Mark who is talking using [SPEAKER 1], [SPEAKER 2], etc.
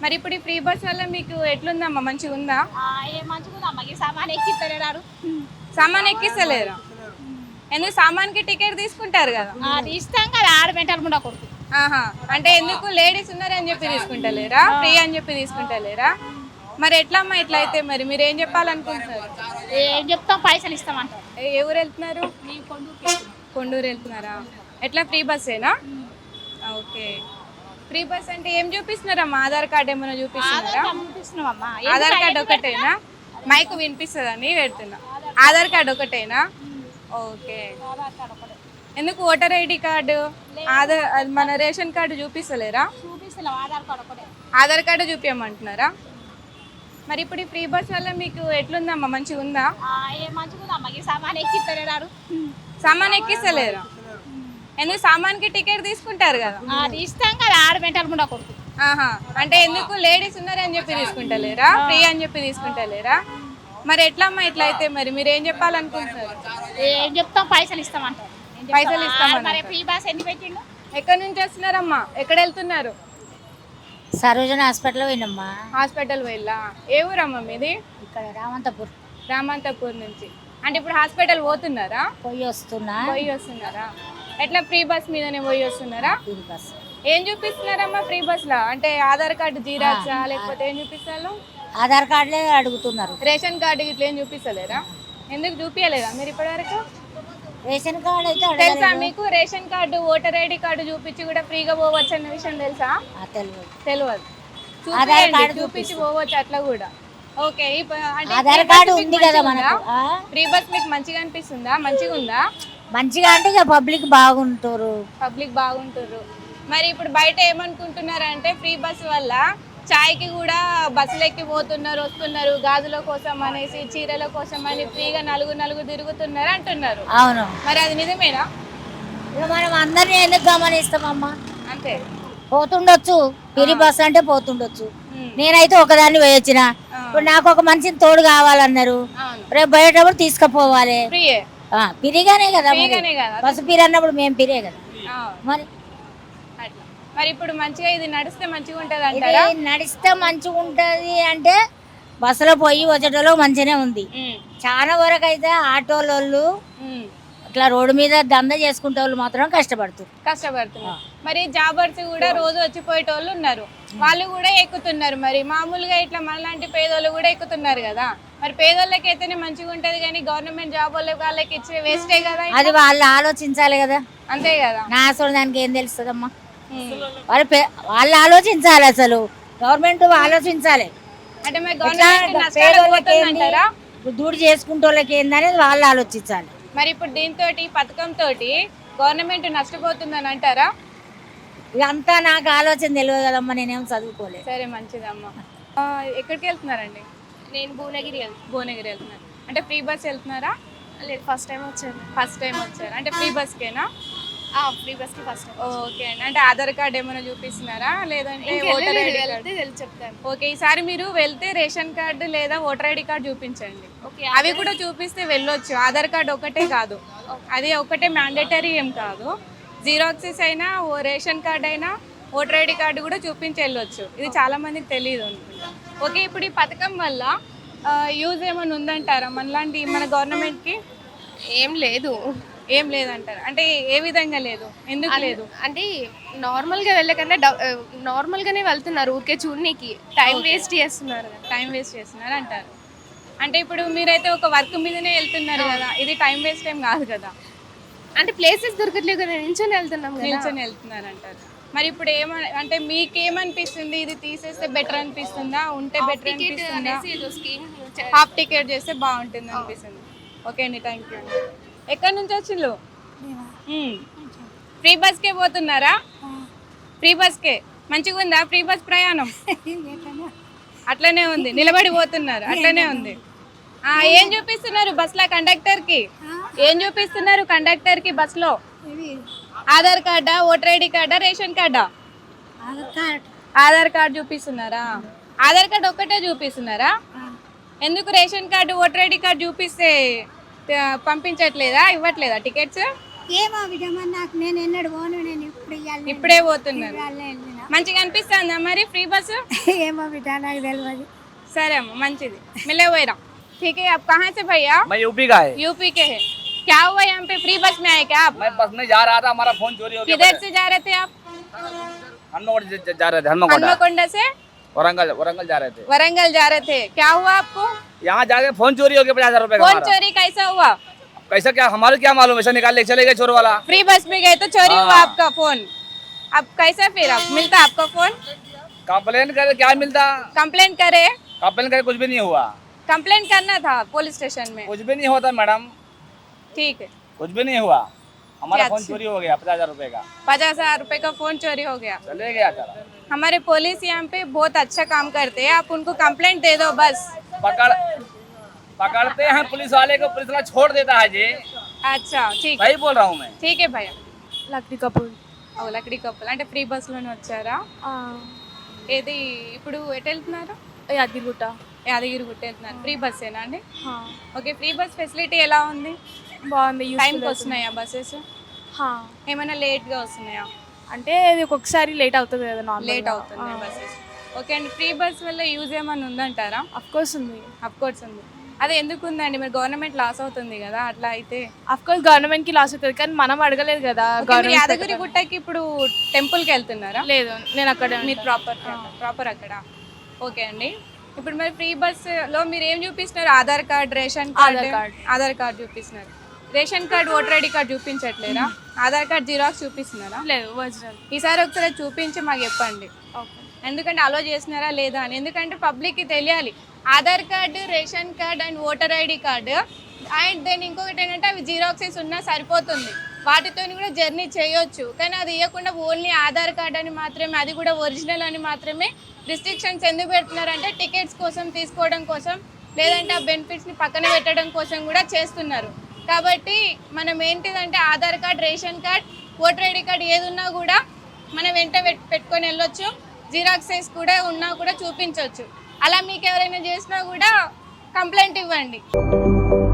[SPEAKER 1] మరి ఇప్పుడు ఈ ఫ్రీ బస్ వల్ల మీకు ఎట్లుందమ్మా, మంచిగా ఉందా?
[SPEAKER 2] ఏ మంచిగుందమ్మా, ఈ సామాన్ ఎక్కిస్తలేరు.
[SPEAKER 1] సామాన్ ఎక్కిస్తలేరా? ఎందుకు? సామాన్కి టికెట్ తీసుకుంటారు కదా.
[SPEAKER 2] అది ఇస్తాం కదా, ఆడ మెంటల్ ముండా కొడుకు.
[SPEAKER 1] ఆహా, అంటే ఎందుకు? లేడీస్ ఉన్నారని చెప్పి తీసుకుంటలేరా? ఫ్రీ అని చెప్పి తీసుకుంటలేరా? మరి ఎట్లా అమ్మా ఇట్లా అయితే? మరి మీరు ఏం చెప్పాలనుకుంటున్నారు?
[SPEAKER 2] ఏం చెప్తాం, పైసలు ఇస్తామంటారు.
[SPEAKER 1] ఏ ఊరు వెళ్తున్నారు? కొండూరు వెళ్తున్నారా? ఎట్లా ఫ్రీ బస్సేనా? ఓకే. ఫ్రీ బస్ అంటే ఏం చూపిస్తున్నారమ్మా? ఆధార్ కార్డు ఏమైనా చూపిస్తున్నారా?
[SPEAKER 2] చూపిస్తున్నామమ్మా.
[SPEAKER 1] ఆధార్ కార్డు ఒకటేనా? మైక్ వినిపిస్తుందని పెడుతున్నా. ఆధార్ కార్డు ఒకటేనా? ఓకే. ఎందుకు ఓటర్ ఐడి కార్డు, ఆధార్, మన రేషన్ కార్డు చూపిస్తలేరా?
[SPEAKER 2] చూపిస్తున్నాం, ఆధార్ కార్డు ఒకటే.
[SPEAKER 1] ఆధార్ కార్డు చూపించమంటున్నారా? మరి ఇప్పుడు ఈ ఫ్రీ బస్ వల్ల మీకు ఎట్లుందమ్మా, మంచిగా ఉందా?
[SPEAKER 2] ఏ మంచిగుందమ్మా, ఈ సామాన్ ఎక్కిస్తలేరు.
[SPEAKER 1] సామాన్ ఎక్కిస్తలేరా? ఎందుకు? సామాన్కి టికెట్ తీసుకుంటారు కదా.
[SPEAKER 2] అది ఇస్తాం కదా, ఆడ మెంటల్ ముండా కొడుకు.
[SPEAKER 1] ఆహా, అంటే ఎందుకు? లేడీస్ ఉన్నారని చెప్పి తీసుకుంటలేరా? ఫ్రీ అని చెప్పి తీసుకుంటలేరా? మరి ఎట్లా అమ్మా ఇట్లా అయితే? మరి మీరు ఏం చెప్పాలనుకుంటున్నారు?
[SPEAKER 2] ఏం చెప్తాం, పైసలు ఇస్తామంటారు.
[SPEAKER 1] పైసలు ఇస్తామని.
[SPEAKER 2] మరి ఫ్రీ బస్ ఎందుకు పెట్టిండు?
[SPEAKER 1] ఎక్కడి నుంచి వస్తున్నారమ్మా? ఎక్కడ వెళ్తున్నారు?
[SPEAKER 3] సరోజన హాస్పిటల్ పోయినమ్మా.
[SPEAKER 1] హాస్పిటల్ వెళ్ళా. ఏ ఊరమ్మా మీది?
[SPEAKER 3] ఇక్కడ రామంతపూర్.
[SPEAKER 1] రామంతపూర్ నుంచి. అంటే ఇప్పుడు హాస్పిటల్ పోతున్నారా?
[SPEAKER 3] పోయి వస్తున్నారా?
[SPEAKER 1] ఎట్లా ఫ్రీ బస్ మీదనే పోయి వస్తున్నారా?
[SPEAKER 3] Free bus.
[SPEAKER 1] ఏం చూపిస్తున్నారమ్మా ఫ్రీ బస్ లో? అంటే ఆధార్ కార్డు జీరాక్సా, లేకపోతే ఏం చూపిస్తారు?
[SPEAKER 3] ఆధార్ కార్డులే అడుగుతున్నారు.
[SPEAKER 1] రేషన్ కార్డు ఇట్లా ఏం చూపిస్తలేరా? ఎందుకు చూపించలేదా మీరు ఇప్పటి వరకు?
[SPEAKER 3] రేషన్ కార్డు అయితే
[SPEAKER 1] తెలుసా మీకు? Ration card, voter ID card చూపించి కూడా ఫ్రీగా పోవచ్చు అన్న విషయం తెలుసా? తెలియదు.
[SPEAKER 3] ఆధార్ కార్డు
[SPEAKER 1] చూపించి పోవచ్చు అట్లా కూడా. ఓకే.
[SPEAKER 3] ఆధార్ కార్డు ఉంది కదా మనకు.
[SPEAKER 1] ఫ్రీ బస్ మీకు మంచిగా అనిపిస్తుందా? మంచిగా ఉందా?
[SPEAKER 3] మంచిగా అంటే ఇక పబ్లిక్ బాగుంటారు.
[SPEAKER 1] మరి ఇప్పుడు బయట ఏమనుకుంటున్నారు అంటే ఫ్రీ బస్ వల్ల చాయ్కి కూడా బస్సులు ఎక్కి పోతున్నారు, వస్తున్నారు, గాజుల కోసం అనేసి, చీరల కోసం అని ఫ్రీగా నలుగురు తిరుగుతున్నారు అంటున్నారు.
[SPEAKER 3] అవును.
[SPEAKER 1] మరి అది నిజమేనా?
[SPEAKER 3] మనం అందరినీ ఎందుకు గమనిస్తామమ్మా?
[SPEAKER 1] అంతే.
[SPEAKER 3] పోతుండొచ్చు, ఫ్రీ బస్ అంటే పోతుండొచ్చు. నేనైతే ఒకదాన్ని పోయొచ్చిన. ఇప్పుడు నాకు ఒక మనిషిని తోడు కావాలన్నారు. రేపు పోయేటప్పుడు తీసుకుపోవాలి. ఫ్రీగానే కదా, బస్సు ఫ్రీ అన్నప్పుడు మేము ఫ్రీయే కదా.
[SPEAKER 1] మరి ఇప్పుడు మంచిగా ఇది నడిస్తే మంచిగా ఉంటది అంటారా?
[SPEAKER 3] నడిస్తే మంచిగా ఉంటది అంటే బస్సులో పోయి వచ్చేటోళ్ళు మంచిగానే ఉంది. చాలా వరకు అయితే ఆటోలు ఇట్లా రోడ్డు మీద దంద చేసుకుంటే వాళ్ళు మాత్రం కష్టపడుతున్నారు. మరి జాబర్స్ కూడా రోజు వచ్చిపోయేటోళ్ళు ఉన్నారు, వాళ్ళు కూడా ఎక్కుతున్నారు. మరి మామూలుగా ఇట్లా మనలాంటి పేదోళ్ళు కూడా ఎక్కుతున్నారు కదా. మరి పేదోళ్ళకి అయితేనే మంచిగా ఉంటది, కానీ గవర్నమెంట్ జాబ్ వాళ్ళకి ఇచ్చే వేస్టే కదా. అది వాళ్ళు ఆలోచించాలి కదా.
[SPEAKER 1] అంతే కదా.
[SPEAKER 3] నా అసలు దానికి ఏం తెలుస్తుందమ్మా? వాళ్ళు ఆలోచించాలి, అసలు గవర్నమెంట్ ఆలోచించాలి.
[SPEAKER 1] అంటే మరి గవర్నమెంట్
[SPEAKER 3] దూడు చేసుకుంటే వాళ్ళకి ఏందనేది వాళ్ళు ఆలోచించాలి.
[SPEAKER 1] మరి ఇప్పుడు దీంతో పథకంతో గవర్నమెంట్ నష్టపోతుందని అంటారా?
[SPEAKER 3] ఇదంతా నాకు ఆలోచన తెలియదు కదమ్మా, నేనేం చదువుకోలేదు.
[SPEAKER 1] సరే, మంచిదమ్మా. ఎక్కడికి వెళ్తున్నారండి?
[SPEAKER 2] నేను భువనగిరి
[SPEAKER 1] వెళ్తున్నారు. అంటే ఫ్రీ బస్ వెళ్తున్నారా?
[SPEAKER 2] లేదు, ఫస్ట్ టైం
[SPEAKER 1] వచ్చారు. అంటే ఫ్రీ బస్కేనా?
[SPEAKER 2] ఫ్రీ బస్కి ఫస్ట్ టైం.
[SPEAKER 1] ఓకే అండి. అంటే ఆధార్ కార్డు ఏమైనా చూపిస్తున్నారా, లేదంటే ఓటర్ ఐడి కార్డు?
[SPEAKER 2] చెప్తాను.
[SPEAKER 1] ఓకే, ఈసారి మీరు వెళ్తే రేషన్ కార్డు లేదా ఓటర్ ఐడి కార్డు చూపించండి. అవి కూడా చూపిస్తే వెళ్ళొచ్చు. ఆధార్ కార్డు ఒకటే కాదు, అది ఒకటే మ్యాండేటరీ ఏం కాదు. జిరాక్సెస్ అయినా, రేషన్ కార్డు అయినా, ఓటర్ ఐడి కార్డు కూడా చూపించి వెళ్ళొచ్చు. ఇది చాలా మందికి తెలియదు అనుకుంటా. ఓకే, ఇప్పుడు ఈ పథకం వల్ల యూజ్ ఏమైనా ఉందంటారా మనలాంటి మన గవర్నమెంట్కి? ఏం లేదంటారు. అంటే ఏ విధంగా లేదు? ఎందుకు లేదు?
[SPEAKER 4] అంటే నార్మల్గా వెళ్ళకన్నా నార్మల్గానే వెళ్తున్నారు, ఊరికే చూడనీకి టైం వేస్ట్ చేస్తున్నారు
[SPEAKER 1] అంటారు. అంటే ఇప్పుడు మీరైతే ఒక వర్క్ మీదనే వెళ్తున్నారు కదా, ఇది టైం వేస్ట్ ఏం కాదు కదా.
[SPEAKER 4] అంటే ప్లేసెస్ దొరకట్లేదు కదా, నిల్చొని
[SPEAKER 1] వెళ్తున్నారు అంటారు. మరి ఇప్పుడు అంటే మీకేమనిపిస్తుంది? ఇది తీసేస్తే బెటర్ అనిపిస్తుందా, ఉంటే బెటర్ అనిపిస్తుందా? హాఫ్ టికెట్ చేస్తే బాగుంటుంది అనిపిస్తుంది. ఓకే అండి, థ్యాంక్ యూ. ఎక్కడి నుంచి వచ్చిండ్రు? ఫ్రీ బస్కే పోతున్నారా? ఫ్రీ బస్కే మంచిగా ఉందా ఫ్రీ బస్ ప్రయాణం? అట్లనే ఉంది, నిలబడి పోతున్నారు, అట్లనే ఉంది. ఏం చూపిస్తున్నారు బస్లో కండక్టర్కి? బస్లో ఆధార్ కార్డా, ఓటర్ ఐడి కార్డా, రేషన్ కార్డా? ఆధార్ కార్డు చూపిస్తున్నారా? ఆధార్ కార్డు ఒక్కటే చూపిస్తున్నారా? ఎందుకు ration card, voter ID card చూపిస్తే పంపించట్లేదా, ఇవ్వట్లేదా టికెట్స్?
[SPEAKER 5] ఏమో విధమా, నాకు నేను ఎన్నడు పోను, నేను ఇప్పుడే
[SPEAKER 1] పోతున్నారు. మంచిగా అనిపిస్తుందా మరి ఫ్రీ బస్సు?
[SPEAKER 3] ఏమో బిడ్డ నాకు తెలియదు.
[SPEAKER 1] సరే అమ్మ మంచిది. మిలే పోయిరా. ठीक है, आप कहाँ से भैया?
[SPEAKER 5] मैं यूपी का है।
[SPEAKER 1] यूपी के हैं। क्या हुआ यहाँ पे फ्री बस में आए क्या आप?
[SPEAKER 5] मैं बस में जा रहा था, हमारा फोन चोरी हो गया।
[SPEAKER 1] किधर से जा रहे थे आप?
[SPEAKER 5] हनुमानगढ़ जा रहे थे। हनुमानगढ़
[SPEAKER 1] हनुमकोंडा से
[SPEAKER 5] वरंगल जा रहे थे।
[SPEAKER 1] वरंगल जा रहे थे। क्या हुआ आपको?
[SPEAKER 5] यहाँ जाके फोन चोरी हो गया 50,000 रुपए का
[SPEAKER 1] फोन
[SPEAKER 5] हमारा।
[SPEAKER 1] चोरी कैसा हुआ?
[SPEAKER 5] कैसा क्या हमारे क्या मालूम, ऐसा निकाल ले चले गए चोर वाला।
[SPEAKER 1] फ्री बस में गए तो चोरी हुआ
[SPEAKER 5] हाँ।
[SPEAKER 1] आपका फोन। अब कैसा फिर आप मिलता आपका फोन?
[SPEAKER 5] कंप्लेन करे क्या मिलता,
[SPEAKER 1] कंप्लेन करे?
[SPEAKER 5] कंप्लेन करे कुछ भी नहीं हुआ।
[SPEAKER 1] कंप्लेन करना था पुलिस स्टेशन में।
[SPEAKER 5] कुछ भी नहीं होता मैडम,
[SPEAKER 1] ठीक है,
[SPEAKER 5] कुछ भी नहीं हुआ। हमारा
[SPEAKER 1] क्या
[SPEAKER 5] फोन
[SPEAKER 1] अच्छी-
[SPEAKER 5] चोरी हो गया 50,000 रुपए का,
[SPEAKER 1] 50,000 रुपए का फोन चोरी हो गया।
[SPEAKER 5] चले गया चला।
[SPEAKER 1] हमारे पुलिस यहाँ पे बहुत अच्छा काम करते हैं, आप उनको कंप्लेंट दे दो बस।
[SPEAKER 5] पकड़ते हैं पुलिस वाले को, पुलिस वाला छोड़ देता है जी।
[SPEAKER 1] अच्छा ठीक है,
[SPEAKER 5] सही बोल रहा हूँ मैं।
[SPEAKER 1] ठीक है भैया.
[SPEAKER 4] లక్డీ కపూర్
[SPEAKER 1] ఓ లక్డీ కప్పులు అంటే ఫ్రీ బస్లోనే వచ్చారా? ఏది ఇప్పుడు ఎటు వెళ్తున్నారు?
[SPEAKER 4] యాదగిరిగుట్ట
[SPEAKER 1] యాదగిరిగుట్ట వెళ్తున్నారు. ఫ్రీ బస్సేనా అండి? ఓకే, ఫ్రీ బస్ ఫెసిలిటీ ఎలా ఉంది?
[SPEAKER 4] బాగుంది.
[SPEAKER 1] టైంకి వస్తున్నాయా బస్సెస్? ఏమైనా లేట్గా వస్తున్నాయా?
[SPEAKER 4] అంటే ఇది ఒక్కొక్కసారి లేట్ అవుతుంది కదా, నార్మల్
[SPEAKER 1] లేట్ అవుతున్నాయి బస్సెస్. ఓకే అండి, ఫ్రీ బస్ వల్ల యూజ్ ఏమైనా ఉందంటారా?
[SPEAKER 4] అఫ్ కోర్స్ ఉంది.
[SPEAKER 1] అఫ్ కోర్స్ ఉంది. అదే ఎందుకు ఉందండి? మరి గవర్నమెంట్ లాస్ అవుతుంది కదా అట్లా అయితే.
[SPEAKER 4] అఫ్ కోర్స్ గవర్నమెంట్ కి లాస్ అవుతుంది, కానీ మనం అడగలేదు కదా.
[SPEAKER 1] ఓకే, మీరు యాదగిరిగుట్టకి ఇప్పుడు టెంపుల్కి వెళ్తున్నారా?
[SPEAKER 4] లేదు, నేను అక్కడ
[SPEAKER 1] మీరు ప్రాపర్ అక్కడ. ఓకే అండి, ఇప్పుడు మరి ఫ్రీ బస్లో మీరు ఏం చూపిస్తున్నారు? Aadhaar card, ration card. Aadhaar card చూపిస్తున్నారు. Ration card, voter ID card చూపించట్లేరా? ఆధార్ కార్డ్ జిరాక్స్ చూపిస్తున్నారా?
[SPEAKER 4] లేదు, ఒరిజినల్.
[SPEAKER 1] ఈసారి ఒకసారి చూపించి మాకు చెప్పండి, ఎందుకంటే అలో చేస్తున్నారా లేదా అని. ఎందుకంటే పబ్లిక్కి తెలియాలి. Aadhaar card, ration card and voter ID card and then ఇంకొకటి ఏంటంటే అవి జిరాక్సెస్ ఉన్నా సరిపోతుంది, వాటితో కూడా జర్నీ చేయొచ్చు. కానీ అది ఇవ్వకుండా ఓన్లీ ఆధార్ కార్డ్ అని మాత్రమే, అది కూడా ఒరిజినల్ అని మాత్రమే రిస్ట్రిక్షన్స్ ఎందుకు పెడుతున్నారంటే టికెట్స్ కోసం, తీసుకోవడం కోసం, లేదంటే ఆ బెనిఫిట్స్ని పక్కన పెట్టడం కోసం కూడా చేస్తున్నారు. కాబట్టి మనం ఏంటిదంటే Aadhaar card, ration card, voter ID card ఏది ఉన్నా కూడా మనం వెంట పెట్టుకొని వెళ్ళొచ్చు. జిరాక్సెస్ కూడా ఉన్నా కూడా చూపించవచ్చు. అలా మీకు ఎవరైనా చేసినా కూడా కంప్లైంట్ ఇవ్వండి.